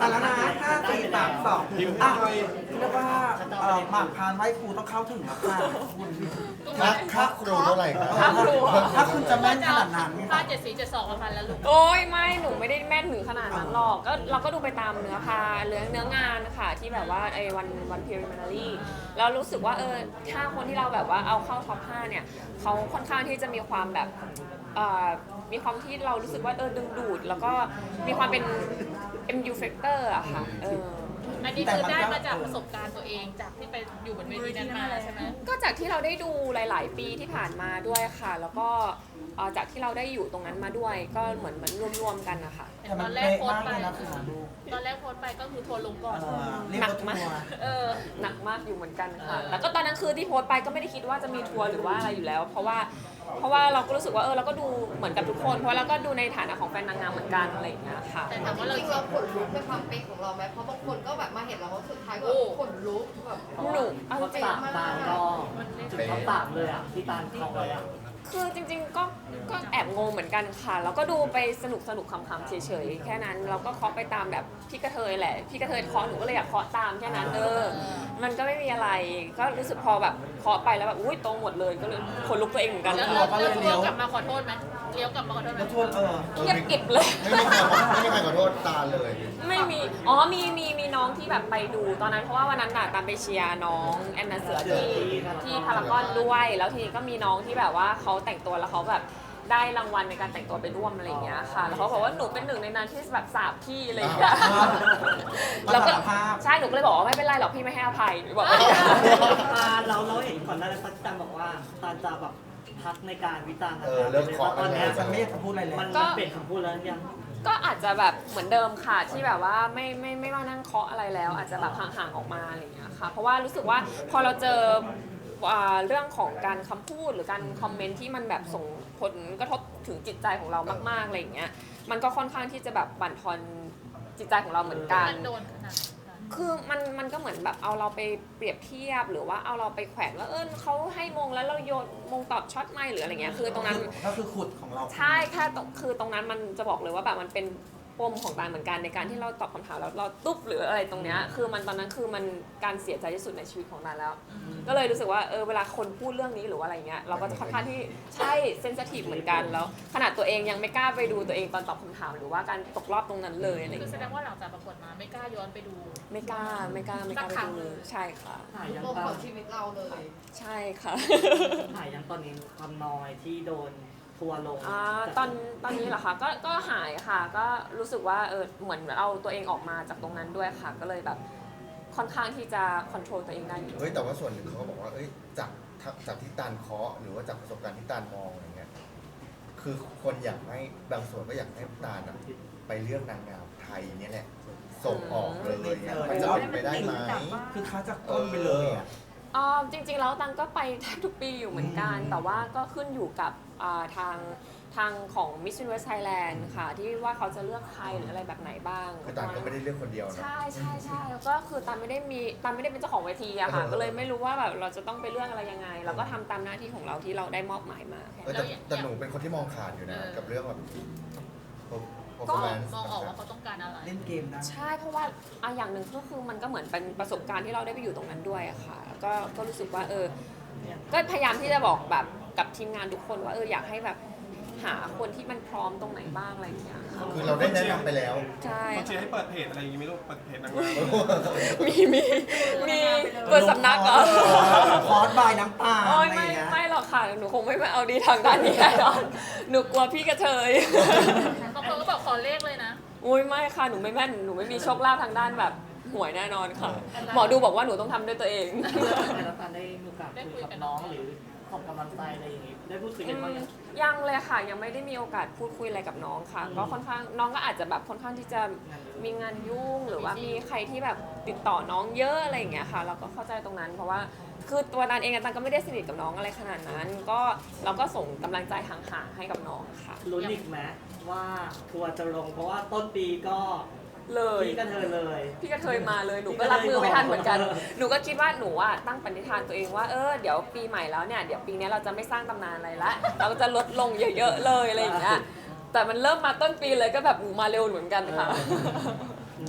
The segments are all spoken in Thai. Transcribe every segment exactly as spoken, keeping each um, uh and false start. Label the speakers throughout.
Speaker 1: แต่แล้วนะห้าสี่สามสองอ่ะเรียกว่าเอ่อหมากพรานไหว้ครูต้องเข้าถึงแล้วค่ะคุณ
Speaker 2: ค่าค่าครูเท่าไหร่ครับ
Speaker 3: ค่าครู
Speaker 1: ถ้าคุณจะแม่นขนาดนั้น
Speaker 4: ผ้าเจ็ดสีเจ็ดสองมาพันแล้วลูก
Speaker 3: โอ้ยไม่หนูไม่ได้แม่นถึงขนาดนั้นหรอกก็เราก็ดูไปตามเนื้อพาเนื้อเนื้องานค่ะที่แบบว่าไอ้วันวันพิริมานารีแล้วรู้สึกว่าเออถ้าคนที่เราแบบว่าเอาเข้าท็อปห้าเนี่ยเขาค่อนข้างที่จะมีความแบบเอ่อมีความที่เรารู้สึกว่าเออดึงดูด แล้วก็มีความเป็น เอ็ม ยู factor อะค่ะเออ
Speaker 4: อันนี้คือได้มาจากประสบการณ์ตัวเองจากที่ไปอยู่บนเวทีนั้นมาใช่ไหม
Speaker 3: ก็จากที่เราได้ดูหลาย ๆ ปีที่ผ่านมาด้วยค่ะ แล้วก็เอ่อจากที่เราได้อยู่ตรงนั้นมาด้วย ก็เหมือนเหมือนรวม ๆ กันนะคะ
Speaker 1: แต่
Speaker 4: ต
Speaker 1: มั
Speaker 4: อน นแร
Speaker 1: เป๊ะ
Speaker 4: กโพส
Speaker 1: มาก
Speaker 4: ต์ไป
Speaker 1: เลยนะคุณดู
Speaker 4: ตอนแรกโพสต์ไปก็คือทัวร์ลงก่อน
Speaker 1: เออเรียกว่าทัวร์
Speaker 4: เออ
Speaker 3: หนักมากอยู่เหมือนกันค่ะ แล้วก็ตอนนั้นคือที่โพสต์ไปก็ไม่ได้คิดว่าจะมีทัวร์หรือว่าอะไรอยู่แล้ว เพราะว่าเพราะว่าเราก็รู้สึกว่าเออเราก็ดูเหมือนกับทุกคน เพราะเราก็ดูในฐานะของแฟนนางงามเหมือนกันอะไรอย่างเงี้ยค่ะ
Speaker 4: แต่ถามว่า
Speaker 5: จ
Speaker 4: เรา
Speaker 5: ริงๆเราขนลุกในความเป๊ะของเราไหมเพราะบางคนก็แบบมาเห็นเราว่าสุดท้ายก็แบบขนลุกแบบ
Speaker 3: หนูเอาจริง
Speaker 5: ตามมา
Speaker 6: ตาลก็จุดท็อปสามเลยอ่ะที่ตาลเขาไว้อ่ะ
Speaker 3: คือจริงๆก็ก็แอบงงเหมือนกันค่ะ แล้วก็ดูไปสนุกสนุกขำๆเฉยๆแค่นั้นเราก็เคาะไปตามแบบพี่กระเทยแหละพี่กระเทยเคาะหนูก็เลยอยากเคาะตามแค่นั้นเออมันก็ไม่มีอะไรก็รู้สึกพอแบบเคาะไปแล้วแบบอุ้ยตรงหมดเลยก็เลยขนลุกตัวเองเหมือนกัน
Speaker 4: แล้ว
Speaker 3: ค่ะ
Speaker 4: แล้วแล้วทัวร์กลับมาขอโทษไหมเลี้ยวกลับมาขอโทษไหม
Speaker 1: แล้วทัวร์เออ
Speaker 3: เงียบกริบเลย
Speaker 2: ไม่มีใครไม่มีใครขอโทษตาเลย
Speaker 3: ไม่มี อ๋อ มี มี มีน้องที่แบบไปดูตอนนั้นเพราะว่าวันนั้นน่ะตามไปเชียร์น้องแอนนาเสือที่ที่พารากอนด้วย แล้วทีนี้ก็มีน้องที่แบบว่าเขาแต่งตัวแล้วเขาแบบได้รางวัลในการแต่งตัวไปร่วมอะไรอย่างเงี้ยค่ะ แล้วเขาบอกว่าหนูเป็นหนึ่งในนั้นที่แบบสาบพี่อะไรอย่างเงี้ย แล้วก็ใช่ หนูก็เลยบอกว่าไม่เป็นไรหรอกพี่ไม่ให้อภัยหนูบอกว่า
Speaker 6: ตาลเราเราเห็นก่อนหน้านั้นตาลบอกว่าตาลจะแบบพักในการวิจารณ์
Speaker 2: เออเริ่มเคาะ
Speaker 6: ตอนเนี้ย
Speaker 1: ฉันไม่อยากจะพูดอะไรเลย
Speaker 6: มัน
Speaker 3: ก็
Speaker 6: มันเปลี่ยนคำพูดแล้วยัง
Speaker 3: ก็อาจจะแบบเหมือนเดิมค่ะที่แบบว่าไม่ไม่ไม่มานั่งเคาะอะไรแล้ว อาจจะแบบห่างๆออกมาอะไรอย่างเงี้ยค่ะเพราะว่ารู้สึกว่าพอเราเจออ่าเรื่องของการคำพูดหรือการคอมเมนต์ที่มันแบบส่งผลกระทบถึงจิตใจของเรามากๆอะไรอย่างเงี้ยมันก็ค่อนข้างที่จะแบบบั่นทอนจิตใจของเราเหมือนกัน
Speaker 4: มันโดนขนาดนั้น
Speaker 3: คือมันมันก็เหมือนแบบเอาเราไปเปรียบเทียบหรือว่าเอาเราไปแขวนว่าเออเขาให้มงแล้วเราโยนมงตอบช็อตไม่หรืออะไรเงี้ยคือตรงนั้น
Speaker 1: ก็คือขุดของเรา
Speaker 3: ใช่แค่ตรงคือตรงนั้นมันจะบอกเลยว่าแบบมันเป็นปมของตาลเหมือนกันในการที่เราตอบคำถามแล้วเราตุ๊บหรืออะไรตรงเนี้ยคือมันตอนนั้นคือมันการเสียใจที่สุดในชีวิตของตาลแล้ว ก็เลยรู้สึกว่าเออเวลาคนพูดเรื่องนี้หรือว่าอะไรเงี้ยเราก็จะค่อนข้างที่ใช่เซนซิทีฟเหมือนกันแล้วขนาดตัวเองยังไม่กล้าไปดูตัวเองตอนตอบคำถามหรือว่าการตกรอบตรงนั้นเลยอะไร
Speaker 4: คือแส
Speaker 3: เงี้ย
Speaker 4: ดงว่าหลังจากประกวดมาไม่กล้าย้อนไปดู
Speaker 3: ไม่กล้าไม่กล้าไม่กล้าไป
Speaker 4: สักครั้ง
Speaker 3: ดู
Speaker 4: เลย
Speaker 3: ใช่ค่ะ
Speaker 6: หายยัง
Speaker 5: ปม
Speaker 6: ตา
Speaker 5: ข
Speaker 6: ล
Speaker 5: องชีวิตเราเลย
Speaker 3: ใช่ค่ะ
Speaker 6: หายยังตอนนี้ความนอยที่โดนทัวร์ลง
Speaker 3: อ่าตอนตอนนี้เหรอคะก็ก็หายค่ะ ก็รู้สึกว่าเออเหมือนเอาตัวเองออกมาจากตรงนั้นด้วยค่ะ ก็เลยแบบค่อนข้างที่จะควบคุมตัวเองได้อยู่
Speaker 2: เฮ้ยแต่ว่าส่วนหนึ่งเขาก็บอกว่าเอ้ยจากจากที่ตาลเคาะหรือว่าจากประสบการณ์ที่ตาลมองอะไรเงี้ยคือคนอยากให้บางส่วนก็อยากให้ตาลอะไปเลือกนางงามไทยเนี่ยแหละส่งออกเลยเนี่ยมันจะเป็นไปได้ไหม
Speaker 1: คือค้าจากต้นไปเลยอ่ะ
Speaker 3: อ่าจริงๆแล้วตังก็ไปแทบทุกปีอยู่เหมือนกัน แต่ว่าก็ขึ้นอยู่กับอ่าทางทางของ Miss Universe Thailand ค่ะ ที่ว่าเขาจะเลือกใครหรืออะไรแบบไหนบ้าง
Speaker 2: คือตาลก็ไม่ได้เลือกคนเดียวนะ
Speaker 3: ใช่ใช่ใช่แล้วก็คือตันไม่ได้มีตันไม่ได้เป็นเจ้าของเวทีอะค่ะ
Speaker 2: เออ
Speaker 3: ก็เลยไม่รู้ว่าแบบเราจะต้องไปเรื่องอะไรยังไง เราก็ทำตามหน้าที่ของเราที่เราได้มอบหมายมาแค่
Speaker 2: เออ
Speaker 3: นั้น
Speaker 2: แต่แต่หนูเป็นคนที่มองขาดอยู่นะ
Speaker 4: เออ
Speaker 2: กับเรื่องแบบ
Speaker 3: ก็
Speaker 2: performance
Speaker 4: มองออกว่าเขาต้องการอะไร
Speaker 1: เล่นเกมได้
Speaker 3: ใช่เพราะว่าอ่ะอย่างหนึ่งก็คือมันก็เหมือนเป็นประสบการณ์ที่เราได้ไปอยู่ตรงนั้นด้วยอะค่ะแล้วก็ก็รู้สึกว่าเออก็พยายามที่จะบอกแบบกับทีมงานทุกคนว่าเอออยากให้แบบหาคนที่มันพร้อมตรงไหนบ้างอะไรอย่างเงี้ยค่ะ
Speaker 2: คือเราได้แนะนำไปแล้ว
Speaker 3: ใช่
Speaker 7: เขาเชียร์ให้เปิดเพจอะไรอย่างงี้ไหม่รู้เปิดเพจนางงาม
Speaker 3: มีมีมีเปิดสำนักเหรอ
Speaker 1: คอร์สบายน้ำตา
Speaker 3: โอ้
Speaker 1: อะ
Speaker 3: ย
Speaker 1: ไรอ
Speaker 3: ไม่
Speaker 1: ย่างเงี้ย
Speaker 3: ไม่หรอกค่ะหนูคงไม่มาเอาดีทางด้านนี้แน่นอนหนูกลัวพี่กระเทย
Speaker 4: บางคนก็บอกขอเลขเลยนะ
Speaker 3: อุ้ยไม่ค่ะหนูไม่แม่นหนูไม่มีโชคลาภทางด้านแบบหวยแน่นอนค่ะ หมอดูบอกว่าหนูต้องทำด้วยตัวเอง
Speaker 6: แต่ละตาลได้มีโอกาสคุยกับน้องหรือขอบกำลังใจอะไรอย่างงี้ได้พูดคุยกันบ้างยัง
Speaker 3: ยังเลยค่ะยังไม่ได้มีโอกาสพูดคุยอะไรกับน้องค่ะ ก็ค่อนข้างน้องก็อาจจะแบบค่อนข้างที่จะมีงานยุ่งหรือว่ามีใครที่แบบติดต่อน้องเยอะอะไรอย่างเงี้ยค่ะ เราก็เข้าใจตรงนั้น เพราะว่าคือตัวนันเองอะตันก็ไม่ได้สนิทกับน้องอะไรขนาดนั้น ก็เราก็ส่งกำลังใจห่างๆให้กับน้องค่ะ
Speaker 6: ลุ้นอีกไหมว่าทัวร์จะลงเพราะว่าต้นปีก็
Speaker 3: เลย
Speaker 6: พี่กระเทยเลย
Speaker 3: พี่กระเทยมาเลยหนูก็รับมือไม่ทันเหมือนกัน หนูก็คิดว่าหนูอะตั้งปณิธานตัวเองว่าเออเดี๋ยวปีใหม่แล้วเนี่ยเดี๋ยวปีนี้เราจะไม่สร้างตำนานอะไรละเราจะลดลงเยอะๆเลยอะไรอย่างเงี้ยแต่มันเริ่มมาต้นปีเลยก็แบบหนูมาเร็วเหมือนกันค่ะ
Speaker 5: ทำไม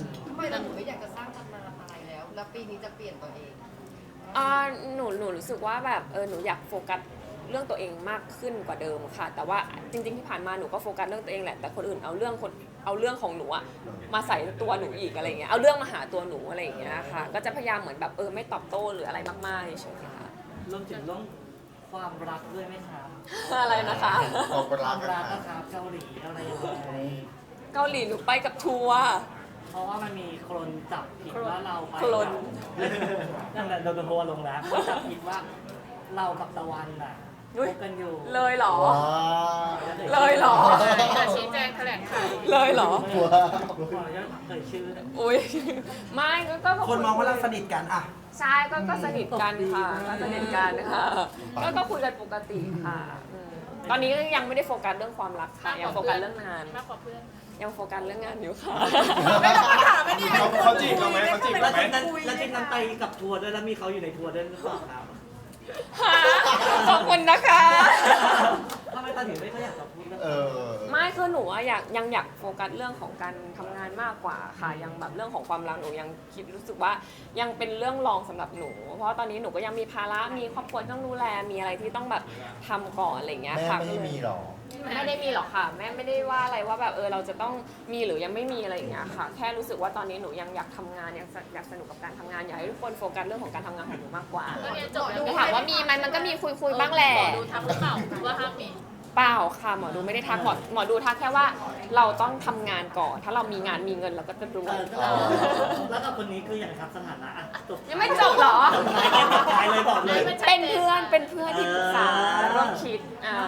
Speaker 5: ไมเราถึงไม่อยากจะสร้างตำนานอะไรแล้ว แล้วปีนี้จะเปลี่ยนตัวเอง
Speaker 3: อ่าหนูหนูรู้สึกว่าแบบเออหนูอยากโฟกัสเรื่องตัวเองมากขึ้นกว่าเดิมค่ะ แต่ว่าจริงๆที่ผ่านมาหนูก็โฟกัสเรื่องตัวเองแหละแต่คนอื่นเอาเรื่องคนเอาเรื่องของหนูอะมาใส่ตัวหนูอีกอะไรเงี้ยเอาเรื่องมาหาตัวหนูอะไรอย่างเงี้ยค่ะก็จะพยายามเหมือนแบบเออไม่ตอบโต้หรืออะไรมากๆเฉยๆค่ะ
Speaker 6: รวมถึงเรื่องความรักด้วยไหมครับ
Speaker 3: อะไรนะคะ
Speaker 2: ความ
Speaker 6: ค
Speaker 2: รั
Speaker 6: วาก ม
Speaker 2: นะ
Speaker 6: รัก
Speaker 2: ครั
Speaker 6: นะ
Speaker 2: บ
Speaker 6: ครับเกาหลีอะไรยังไง
Speaker 3: เกาหลีหนูไปกับทัวร์
Speaker 6: เพราะว่ามันมีคนจับผิดว่าเราไป
Speaker 3: คน
Speaker 6: นั่นแหละโดนทัวร์ลงแล้วคนจับผิดว่าเรากับตะวันน่ะค
Speaker 3: อุ๊ย
Speaker 6: บกันอยู่
Speaker 3: เลยเหรอ
Speaker 2: ว้า
Speaker 3: เลยเหรอ
Speaker 4: จะชี้แจงแถลงข่าว
Speaker 3: เลยเหรอ
Speaker 2: ว
Speaker 6: ขออนุญาตเอ่ยชื่อนะ
Speaker 3: อุ้ยไม่ก็ก็
Speaker 1: คนมองว่าเราสนิทกันอ่ะ
Speaker 3: ใช่ก็ก็สนิทกันค่ะก็สนิทกันค่ะก็ก็คุยกันปกติค่ะอืมตอนนี้ก็ยังไม่ได้โฟกัสเรื่องความรักค่ะยังโฟกัสเรื่องงาน
Speaker 4: มากกว่าเพื่อน
Speaker 3: ยังโฟกัสเรื่องงานอยู่ค่ะ
Speaker 4: ไม่ต้องมาถามไม่ดี
Speaker 7: เขาเขาจีบเราไหมเขาจีบ
Speaker 6: แล้
Speaker 7: เรา
Speaker 6: ว
Speaker 7: ไหม
Speaker 6: ทีนั้นแล้วทีนั้นไปกับทัวร์ด้วยแล้วมีเขาอยู่ในทัวร์ด้วยหรือเปล่าครับ
Speaker 3: ขอบคุณนะคะ
Speaker 6: ทำไมตอนถึงไม่ค่อยอยากจะพูดเรื่อง
Speaker 2: เออ
Speaker 3: ไม่คือหนูอะอยากยังอยากโฟกัสเรื่องของการทำงานมากกว่าค่ะยังแบบเรื่องของความรักหนูยังคิดรู้สึกว่ายังเป็นเรื่องรองสำหรับหนู เพราะว่าตอนนี้หนูก็ยังมีภาระมีครอบครัวต้องดูแลมีอะไรที่ต้องแบบทำก่อนอะไรอย่างเงี้ย
Speaker 2: แม่
Speaker 3: ค่ะ
Speaker 2: ไม่ได้มีหรอ
Speaker 3: ไม่ได้มีหรอกค่ะแม่ไม่ได้ว่าอะไรว่าแบบเออเราจะต้องมีหรือยังไม่มีอะไรอย่างเงี้ยค่ะ แค่รู้สึกว่าตอนนี้หนูยังอยากทำงานยังอยากสนุกกับการทำงานอยากให้ทุกคนโฟกัสเรื่องของการทำงานของหนูมากกว่า
Speaker 4: ก็เรียนจบแล้ว
Speaker 3: แต่ถามว่ามีไหมมันก็มีคุยคุยๆบ้างแหละ
Speaker 4: หมอดูทำหรือเปล่าหรือว่าห้ามมี
Speaker 3: เปล่าค่ะหมอดูไม่ได้ทักหมอหมอดูทักแค่ว่าเราต้องทำงานก่อน ถ้าเรามีงานมีเงินเราก็จะรว
Speaker 6: เอย อก็แล้วกับคนนี้คืออย่างไรครับสถานะอ่ะจบ
Speaker 3: ยังไม่จบเหรอ
Speaker 6: จบท้ายแค่จบท้ายเลยบอกเลย
Speaker 3: เป็นเพื่อนเป็นเพื่อนที่ปรึกษา
Speaker 6: เออ
Speaker 3: ร่วมคิดอ่า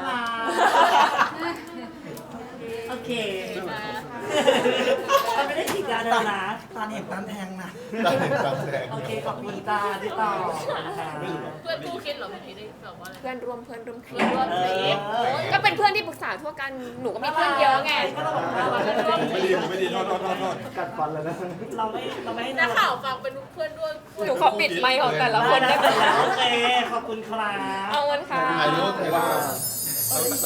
Speaker 6: โอเค
Speaker 4: มา
Speaker 6: เราไม่ได้ฉีดยาเดินนะ
Speaker 1: ตอนเห็นตันแทงนะ
Speaker 2: ได้ตามแสดง
Speaker 6: โอเคขอบคุณจ้าที่ต่อค่ะ
Speaker 4: เพื่อนคู่คิดเหรอเมื่อกี้ได้บอกว่าอะไร
Speaker 3: เพื่อนร่วมเพื่อนร่วมคิ
Speaker 4: เพื่อนร่วมทริป
Speaker 6: เออ
Speaker 3: ก็เป็นเพื่อนที่ปรึกษาทั่วกันหนูก็มีเพื่อนเยอะไง
Speaker 6: ก็เราบอกว่า
Speaker 4: เพื่อนร่วมท
Speaker 7: ไม่
Speaker 4: ริ
Speaker 7: ดี
Speaker 4: ป
Speaker 7: ผมไม่ดีโทษโทษโทษโทษ
Speaker 6: เราไม่เราไม่ให้
Speaker 4: นักข่าวฟังเป็นเพื่อนร่วม
Speaker 3: หนูขอปิดไมค์ของแต่ละคน
Speaker 6: ได้
Speaker 3: ได้ไหม
Speaker 6: แล้วโอเคขอบคุณครับ
Speaker 3: เอาเงินค่ะ
Speaker 2: ถ่ายรูปถ่ายรูป
Speaker 7: เรา